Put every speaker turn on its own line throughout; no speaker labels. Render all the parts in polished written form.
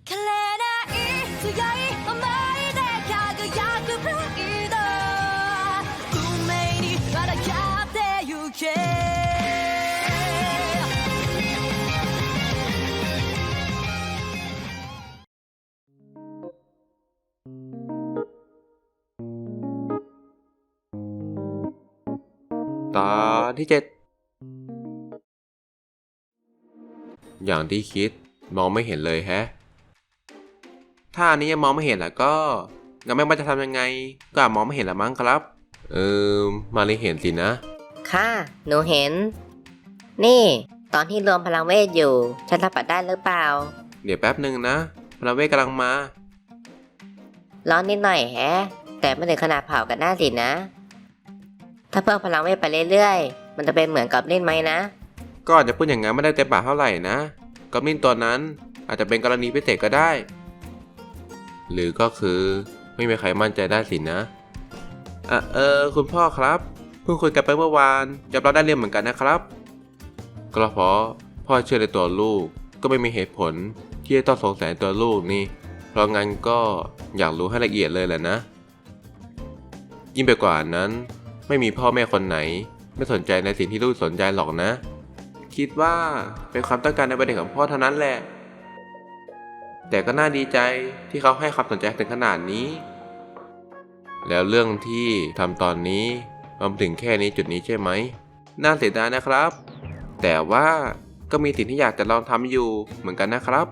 枯れない強い想いで輝くプライド運命に抗ってゆけ
ตอนที่ 7อย่างที่คิดมองไม่เห็นเลยแฮะถ้าอันนี้ยังมองไม่เห็นแล้วก็งั้นไม่ว่าจะทำยังไงก็อาจมองไม่เห็นละมั้งครับมาเลยเห็นสินะ
ค่ะหนูเห็น นี่ตอนที่รวมพลังเวทอยู่ฉันสัมผัสได้หรือเปล่า
เดี๋ยวแป๊บหนึ่งนะพลังเวทกำลังมา
ร้อนนิดหน่อยแฮะแต่ไม่ถึงขนาดเผากันหน้าสินะถ้าเพิ่มพลังเวทไปเรื่อยๆมันจะเป็นเหมือนกับเล่นไหมนะ
ก็อาจจะพูดอย่างนั้นไม่ได้เต็มปากเท่าไหร่นะกอบลินตัวนั้นอาจจะเป็นกรณีพิเศษก็ได้ หรือก็คือไม่มีใครมั่นใจได้สินะคุณพ่อครับเพิ่งคุยกันไปเมื่อวานยอมรับได้เรื่องเหมือนกันนะครับก็เพราะพ่อเชื่อในตัวลูกก็ไม่มีเหตุผลที่จะต้องสงสัยตัวลูกนี่เพราะงั้นก็อยากรู้ให้ละเอียดเลยแหละนะยิ่งไปกว่านั้นไม่มีพ่อแม่คนไหนไม่สนใจในสิ่งที่ลูกสนใจหรอกนะคิดว่าเป็นความต้องการในประเด็นของพ่อเท่านั้นแหละแต่ก็น่าดีใจที่เขาให้ความสนใจถึงขนาดนี้แล้วเรื่องที่ทำตอนนี้มันถึงแค่นี้จุดนี้ใช่ไหมน่าเสียดายนะครับแต่ว่าก็มีสิ่งที่อยากจะลองทำอยู่เหมือนกันนะครับ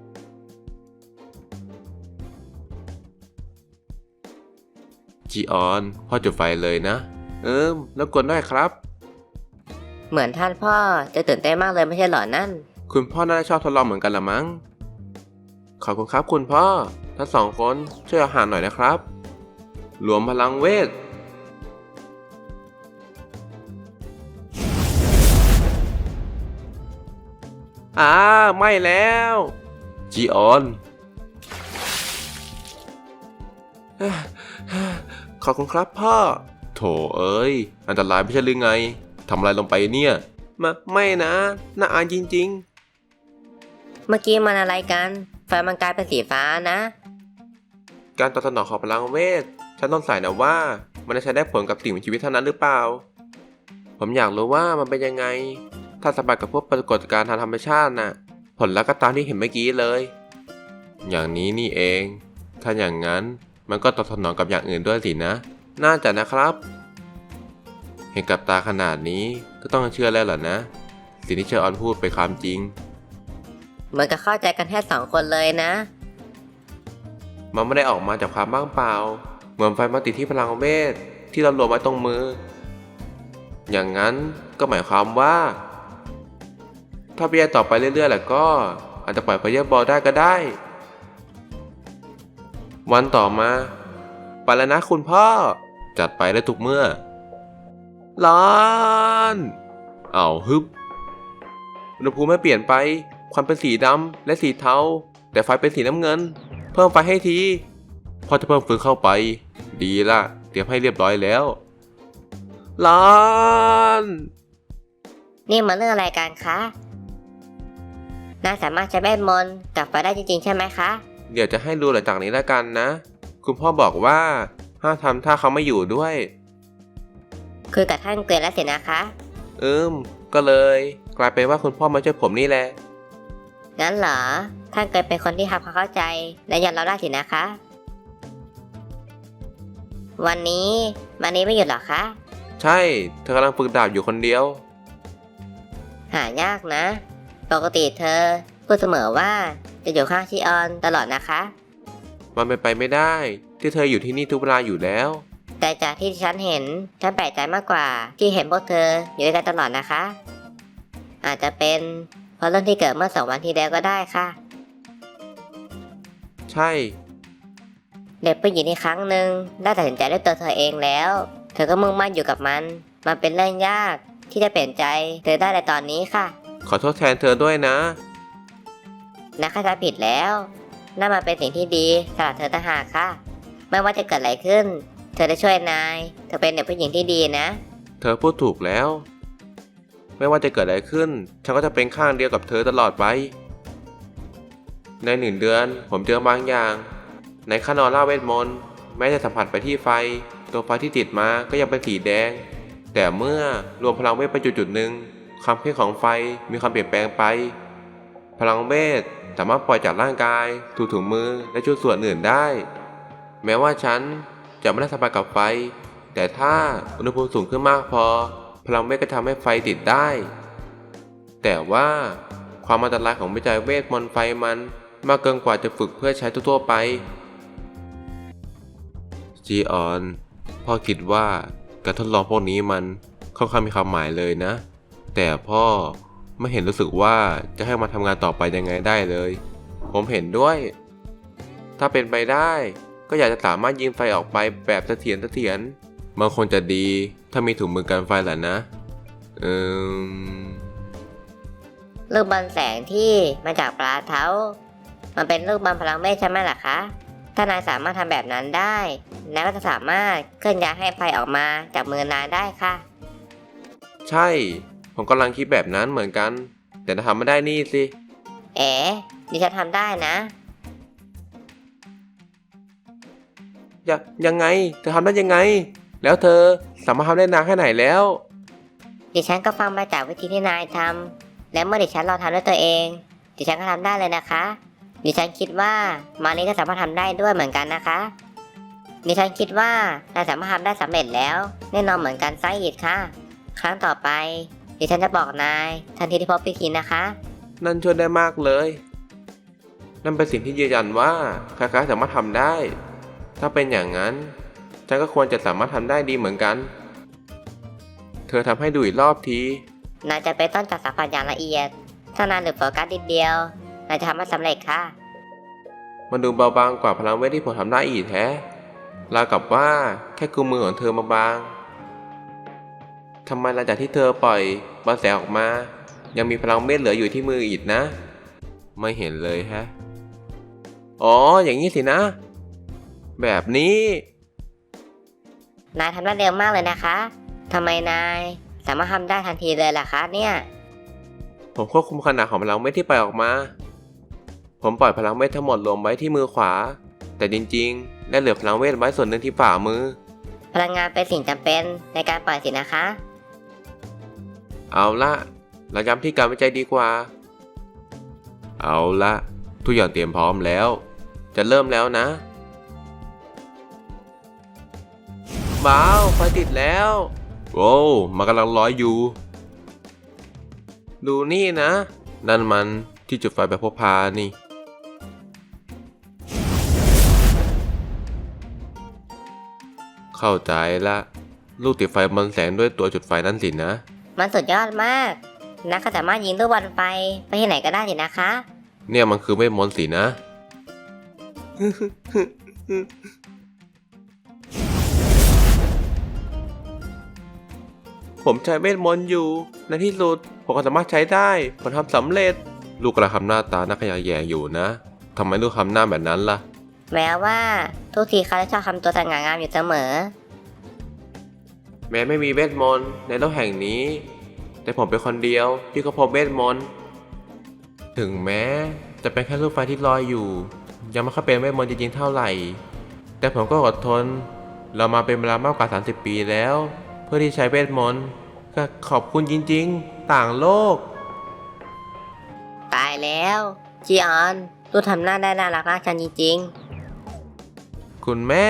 จีออนพ่อจุดไฟเลยนะแล้วกวนด้วยครับ
เหมือนท่านพ่อจะตื่นเต้นมากเลยไม่ใช่หรอนั่น
คุณพ่อน่าจะชอบทดลองเหมือนกันละมั้งขอบคุณครับคุณพ่อทั้งสองคนช่วยอาหารหน่อยนะครับรวมพลังเวทไม่แล้วจีออนขอบคุณครับพ่อโถเอ้ยอันตรายไม่ใช่หรือไงทำอะไรลงไปเนี่ยไม่นะน่าอายจริง
เมื่อกี้มันอะไรกันไฟมันกลายเป็นสีฟ้านะ
ๆการตอบสนองของพลังเวทฉันต้องใส่นะว่ามันจะใช้ได้ผลกับสิ่งมีชีวิตเท่านั้นหรือเปล่าผมอยากรู้ว่ามันเป็นยังไงถ้าสัมผัสกับพวกปรากฏการณ์ทางธรรมชาติน่ะผลลัพธ์ก็ตามที่เห็นเมื่อกี้เลยอย่างนี้นี่เองถ้าอย่างนั้นมันก็ตอบสนองกับอย่างอื่นด้วยสินะน่าจะนะครับเห็นกับตาขนาดนี้ก็ต้องเชื่อแล้วเหรอนะสิ่งที่เชอออนพูดเป็นความจริง
เหมือนกับเข้าใจกันแค่2 คนเลยนะ
มันไม่ได้ออกมาจากความว่างเปล่าเหมือนไฟมาติดที่พลังเวทที่เรารวมไว้ตรงมืออย่างนั้นก็หมายความว่าถ้าพิจารณาต่อไปเรื่อยๆแล้วก็อาจจะปล่อยไฟเยอร์บอลได้ก็ได้วันต่อมาไปแล้วนะคุณพ่อจัดไปได้ทุกเมื่อร้อนฮึบอุณหภูมิไม่เปลี่ยนไปควันเป็นสีดำและสีเทาแต่ไฟเป็นสีน้ำเงินเพิ่มไฟให้ทีพอจะเพิ่มฟืนเข้าไปดีละเตรียมให้เรียบร้อยแล้วร้อน
นี่มันเรื่องอะไรกันคะน่าสามารถใช้เวทมนต์กับไฟได้จริงๆใช่ไหมคะ
เดี๋ยวจะให้ดูหลังจากนี้แล้วกันนะคุณพ่อบอกว่าห้ามทำถ้าเขาไม่อยู่ด้วย
คือกับท่านเกรนแล้วสินะคะ
ก็เลยกลายเป็นว่าคุณพ่อมาช่วยผมนี่แหละ
งั้นเหรอท่านเกรนเป็นคนที่ทำความเข้าใจและยอมรับได้สินะคะวันนี้ไม่หยุดหรอคะ
ใช่เธอกำลังฝึกดาบอยู่คนเดียว
หายากนะปกติเธอพูดเสมอว่าจะอยู่ข้างชิออนตลอดนะคะ
มันเป็นไปไม่ได้ที่เธออยู่ที่นี่ทุกเวลาอยู่แล้ว
แต่จากที่ฉันเห็นฉันแปลกใจมากกว่าที่เห็นพวกเธออยู่ด้วยกันตลอดนะคะอาจจะเป็นเพราะเรื่องที่เกิดเมื่อ2 วันที่แล้วก็ได้ค่ะ
ใช่
เด็กผู้หญิงอีกครั้งหนึ่งได้ตัดสินใจด้วยตัวเธอเองแล้วเธอก็มุ่งมั่นอยู่กับมันเป็นเรื่องยากที่จะเปลี่ยนใจเธอได้ในตอนนี้ค่ะ
ขอโทษแทนเธอด้วยนะ
ข้าจะผิดแล้วนั่นมันเป็นสิ่งที่ดีสำหรับเธอต่างหากค่ะไม่ว่าจะเกิดอะไรขึ้นเธอจะช่วยนายเธอเป็นเด็กผู้หญิงที่ดีนะ
เธอพูดถูกแล้วไม่ว่าจะเกิดอะไรขึ้นฉันก็จะเป็นข้างเดียวกับเธอตลอดไปใน1 เดือนผมเจอบางอย่าง ในขั้นออร่าเวทมนต์แม้จะสัมผัสไปที่ไฟ ตัวไฟที่ติดมาก็ยังเป็นสีแดง แต่เมื่อรวมพลังเวทไปจุดหนึ่งความเข้มของไฟมีความเปลี่ยนแปลงไป พลังเวทสามารถปล่อยจากร่างกายสู่ถุงมือและชุดส่วนอื่นได้ แม้ว่าฉันจะไม่ได้สัมผัสกับไฟ แต่ถ้าอุณหภูมิสูงขึ้นมากพอพลังเวทก็ทำให้ไฟติดได้ แต่ว่าความอันตรายของวิจัยเวทมนต์ไฟมันมากเกินกว่าจะฝึกเพื่อใช้ทั่วๆไปจีออนพ่อคิดว่าการทดลองพวกนี้มันค่อนข้างมีความหมายเลยนะ แต่พ่อไม่เห็นรู้สึกว่าจะให้มาทำงานต่อไปยังไงได้เลยผมเห็นด้วย ถ้าเป็นไปได้ก็อยากจะสามารถยิงไฟออกไปแบบเสถียรมันคงจะดีถ้ามีถุงมือกันไฟแหละนะ
ลูกบอลแสงที่มาจากปลาเท้ามันเป็นลูกบอลพลังเวทใช่ไหมล่ะคะ ถ้านายสามารถทำแบบนั้นได้นายก็จะสามารถเคลื่อนย้ายให้ไฟออกมาจากมือนายได้ค่ะ
ใช่ผมกำลังคิดแบบนั้นเหมือนกันแต่ถ้าทำไม่ได้นี่สิ
ดิฉันทำได้นะ
ยังไงเธอทำได้ยังไงแล้วเธอสามารถทำได้นานแค่ไหนแล้ว
ดิฉันก็ฟังมาจากวิธีที่นายทำและเมื่อดิฉันลองทำด้วยตัวเองดิฉันก็ทำได้เลยนะคะดิฉันคิดว่ามานี้ก็สามารถทำได้ด้วยเหมือนกันนะคะดิฉันคิดว่านายสามารถทำได้สำเร็จแล้วแน่นอนเหมือนกันไซอิดค่ะครั้งต่อไปดิฉันจะบอกนายทันทีที่พบพิธีนะคะ
นั่นช่วยได้มากเลยนั่นเป็นสิ่งที่ยืนยันว่าใครๆสามารถทำได้ถ้าเป็นอย่างนั้นฉันก็ควรจะสามารถทำได้ดีเหมือนกันเธอทำให้ดูอีกรอบที
นายจะไปต้นจัดสัมผัสอย่างละเอียดถ้านายหลุดโฟกัสนิดเดียวนายจะทำให้สำเร็จค่ะ
มันดูเบาบางกว่าพลังเวทที่ผมทำได้อีกแท้ราวกับว่าแค่กุมมือของเธอมาบางทำไมหลังจากที่เธอปล่อยบอลแสงออกมายังมีพลังเวทเหลืออยู่ที่มืออีกนะไม่เห็นเลยฮะอ๋ออย่างนี้สินะแบบนี้
นายทำได้เร็วมากเลยนะคะทำไมนายสามารถทำได้ทันทีเลยล่ะคะเนี่ย
ผมควบคุมขนาดของพลังเวทที่ปล่อยออกมาผมปล่อยพลังเวททั้งหมดรวมไว้ที่มือขวาแต่จริงๆได้เหลือพลังเวทไว้ส่วนหนึ่งที่ฝ่ามือ
พลังงานเป็นสิ่งจำเป็นในการปล่อยสินะคะ
เอาละเราย้ำที่การวิจัยดีกว่าเอาละทุกอย่างเตรียมพร้อมแล้วจะเริ่มแล้วนะว้าวไฟติดแล้วโว้วมันกำลังลอยอยู่ดูนี่นะนั่นมันที่จุดไฟแบบพกพานี่เข้าใจละลูกติดไฟบอลแสงด้วยตัวจุดไฟนั่นสินะ
มันสุดยอดมากนักก็สามารถยิงลูกบอลไฟไปที่ไหนก็ได้สินะคะ
เนี่ยมันคือเวทมนต์สินะ ผมใช้เวทมนต์อยู่ในที่สุดผมก็สามารถใช้ได้ผมทำสำเร็จลูกกระทำหน้าตาน่าขยะแยงอยู่นะทำไมลูกทำหน้าแบบนั้นล่ะ
แม้ว่าทุกทีเขาจะชอบทำตัวสง่างามอยู่เสมอ
แม้ไม่มีเวทมนต์ในโลกแห่งนี้แต่ผมเป็นคนเดียวที่เขาพบเวทมนต์ถึงแม้จะเป็นแค่ลูกไฟที่ลอยอยู่ยังไม่ค่อยเป็นเวทมนต์จริงๆเท่าไหร่แต่ผมก็อดทนเรามาเป็นเวลามากกว่า30 ปีแล้วเพื่อที่ใช้เวทมนต์ก็ขอบคุณจริงๆต่างโลก
ตายแล้วจีออนลูกทำหน้าได้น่ารักมากจังจริง
ๆคุณแม่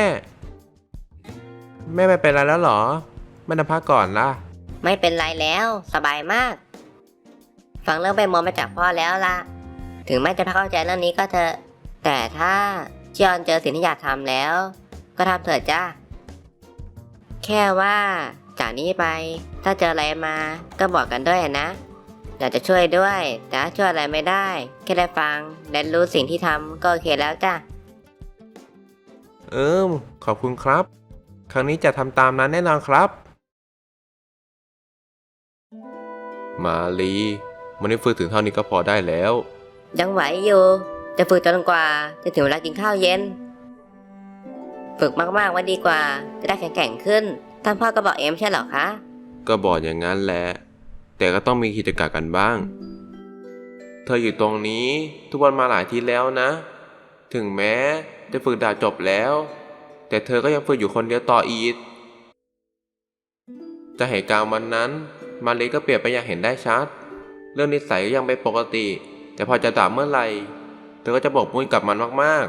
ไม่เป็นไรแล้วหรอไม่นำพักก่อนล่ะ
ไม่เป็นไรแล้วสบายมากฟังเรื่องไปมองมาจากพ่อแล้วล่ะถึงแม้จะเข้าใจเรื่องนี้ก็เถอะแต่ถ้าจีออนเจอสิ่งที่อยากทำแล้วก็ทำเถอะจ้าแค่ว่าจากนี้ไปถ้าเจออะไรมาก็บอกกันด้วยนะอยากจะช่วยด้วยแต่ถ้าช่วยอะไรไม่ได้แค่ได้ฟังและรู้สิ่งที่ทำก็โอเคแล้วจ้ะ
ขอบคุณครับครั้งนี้จะทำตามนั้นแน่นอนครับมาลีมันได้ฝึกถึงเท่านี้ก็พอได้แล้ว
ยังไหวอยู่จะฝึกจนกว่าจะถึงเวลากินข้าวเย็นฝึกมากๆไว้ดีกว่าจะได้แข็งขึ้นท่านพ่อก็บอกใช่หรอคะ
ก็บอกอย่างนั้นแหละแต่ก็ต้องมีกิจกรรมกันบ้างเธออยู่ตรงนี้ทุกวันมาหลายทีแล้วนะ ถึงแม้จะฝึกดาบจบแล้ว แต่เธอก็ยังฝึกอยู่คนเดียวต่ออีกจากเหตุการณ์วันนั้นมารีก็เปลี่ยนไปอย่างเห็นได้ชัด เรื่องนิสัยก็ยังเป็นปกติ แต่พอจะด่าเมื่อไหร่เธอก็จะบกมุ่นกับมันมาก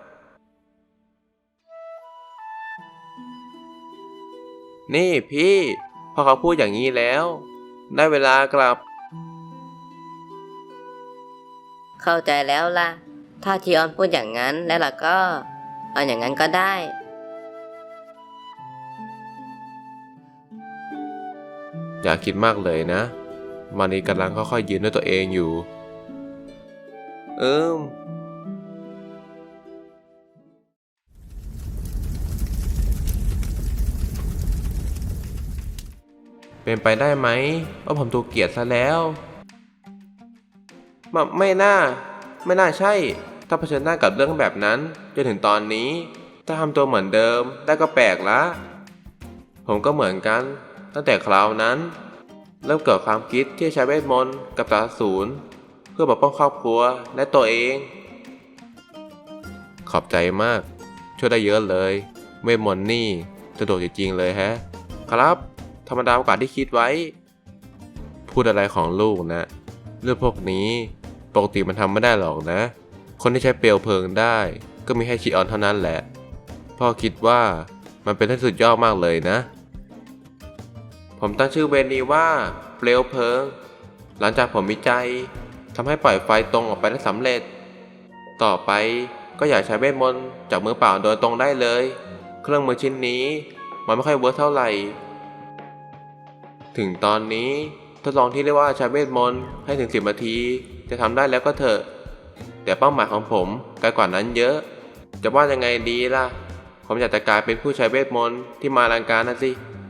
ๆนี่พี่พอเขาพูดอย่างนี้แล้ว ได้เวลากลับ
เข้าใจแล้วล่ะ ถ้าจีออนพูดอย่างนั้นแล้วล่ะก็เอาอย่างนั้นก็ได้
อย่าคิดมากเลยนะ มารีกำลังค่อยๆยืนด้วยตัวเองอยู่ เป็นไปได้ไหมว่าผมถูกเกลียดซะแล้วไม่น่าใช่ ถ้าเผชิญหน้ากับเรื่องแบบนั้นจนถึงตอนนี้ ถ้าทำตัวเหมือนเดิมได้ก็แปลกละผมก็เหมือนกันตั้งแต่คราวนั้น เริ่มเกิดความคิดที่จะใช้เวทมนต์กับตาสูรเพื่อปกป้องครอบครัวและตัวเอง ขอบใจมากช่วยได้เยอะเลยเวทมนต์นี่สะดวกจริงๆเลยแฮะครับธรรมดากว่าที่คิดไว้ พูดอะไรของลูกนะเรื่องพวกนี้ปกติมันทำไม่ได้หรอกนะ คนที่ใช้เปลวเพลิงได้ก็มีแค่ชิออนเท่านั้นแหละพ่อคิดว่ามันเป็นเรื่องสุดยอดมากเลยนะผมตั้งชื่อเวรนี้ว่าเปลวเพลิงหลังจากผมวิจัยทำให้ปล่อยไฟตรงออกไปได้สำเร็จต่อไปก็อยากใช้เวทมนต์จากมือเปล่าโดยตรงได้เลยเครื่องมือชิ้นนี้มันไม่ค่อยเวิร์คเท่าไหร่ถึงตอนนี้ทดลองที่เรียกว่าใช้เวทมนต์ให้ถึง10 นาทีจะทำได้แล้วก็เถอะแต่เป้าหมายของผมไกลกว่านั้นเยอะจะว่ายังไงดีล่ะผมอยากจะกลายเป็นผู้ใช้เวทมนต์ที่มาลังการนะสิ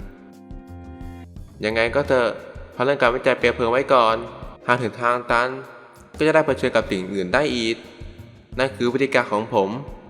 ยังไงก็เถอะพักเรื่องการวิจัยเปลวเพลิงไว้ก่อนหากถึงทางตันก็จะได้เผชิญกับสิ่งอื่นได้อีกนั่นคือวิธีการของผม